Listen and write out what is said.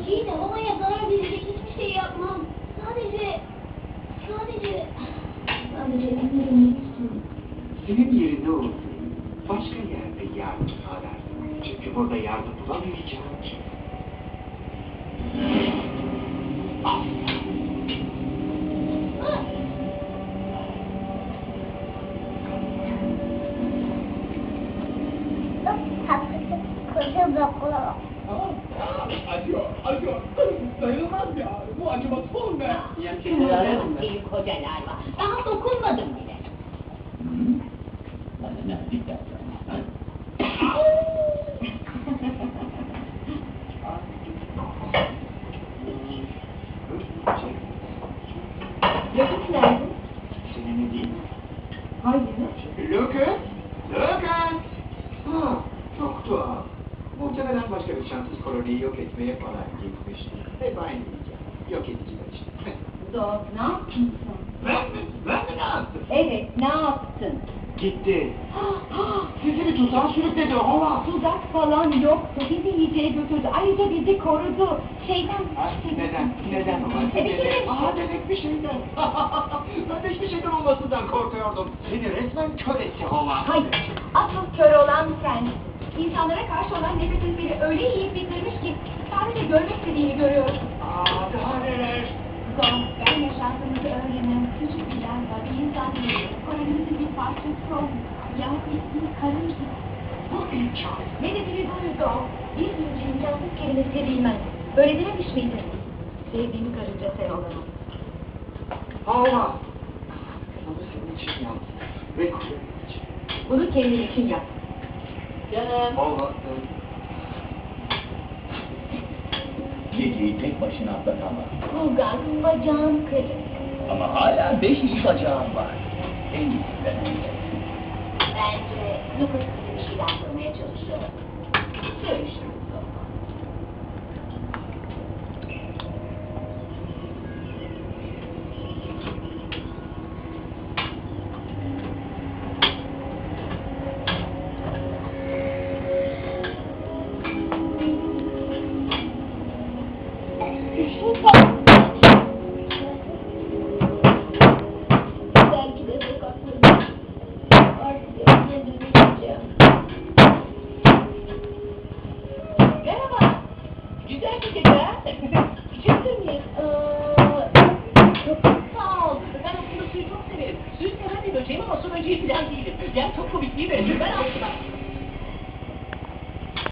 İyi de havaya zarar verecek hiçbir şey yapmam. Sadece evime dönmek istiyorum. Senin yerinde olsaydı başka yerde yardım arardım. Çünkü burada yardım bulamayacağım ki. Koca bırakıyorum. Acıyor. Dayanılmaz ya. Bu acıması olmuyor. Yakınlarım iyi kocalar var. Daha dokunmadım bile. Bana ne dikkat Lucas nerede? Senin değil mi? Hayır. Lucas! Lucas! Ha, çok tuhaf. Muhtemelen başka bir şanssız koloniyi yok etmeye falan gitmişti. Hep aynı diyeceğim. Yok ediciler işte. Dog, ne yaptın sen? Ben mi ne yaptım? Evet, ne yaptın? Gitti. Sizi bir tuzağa sürükledi hava. Tuzak falan yoktu. Bizi yiyeceğe götürdü. Ayrıca bizi korudu. Neden o? Demek bir şeyden. Ben de hiçbir şeyden olmasından korkuyordum. Seni resmen kör etti hava. Hayır, asıl kör olan sen. İnsanlara karşı olan nefretin beni öyle yiyip bitirmiş ki sadece görmek istediğini görüyorum. Daha neler? Dog, ben yaşantımızı öğrenen küçük bir yer var. Bir insan değil. Kolonimizin bir parçası olmuş. Yani bir karın gibi. Bu imkan. Ne dediğini duydum. Bir sürücü imkansız kelimesini bilmez. Öyle dememiş miydin? Sevdiğim karınca sen olamam. Hava. Bunu senin için yaptım. Ve kulenin için. Bunu kendin için yap. Canım. Hava. Geceyi tek başına atlatamam. Bulgan, bacağım kırık. Ama hala 5 iyi bacağım var. En iyisi ben olacaksın. Bence Lucas bize bir şeyler yapmaya çalışıyor. Görüşürüz. Belki de sokaklarda artık evine döneceğim. Merhaba. Güzel bir gece ha? İçebilir miyiz? Çok Sağ ol. Ben aslında suyu çok severim. Suyu seven bir böceğim ama su böceği falan değilim. Yani çok komik değil mi? Ben aslında...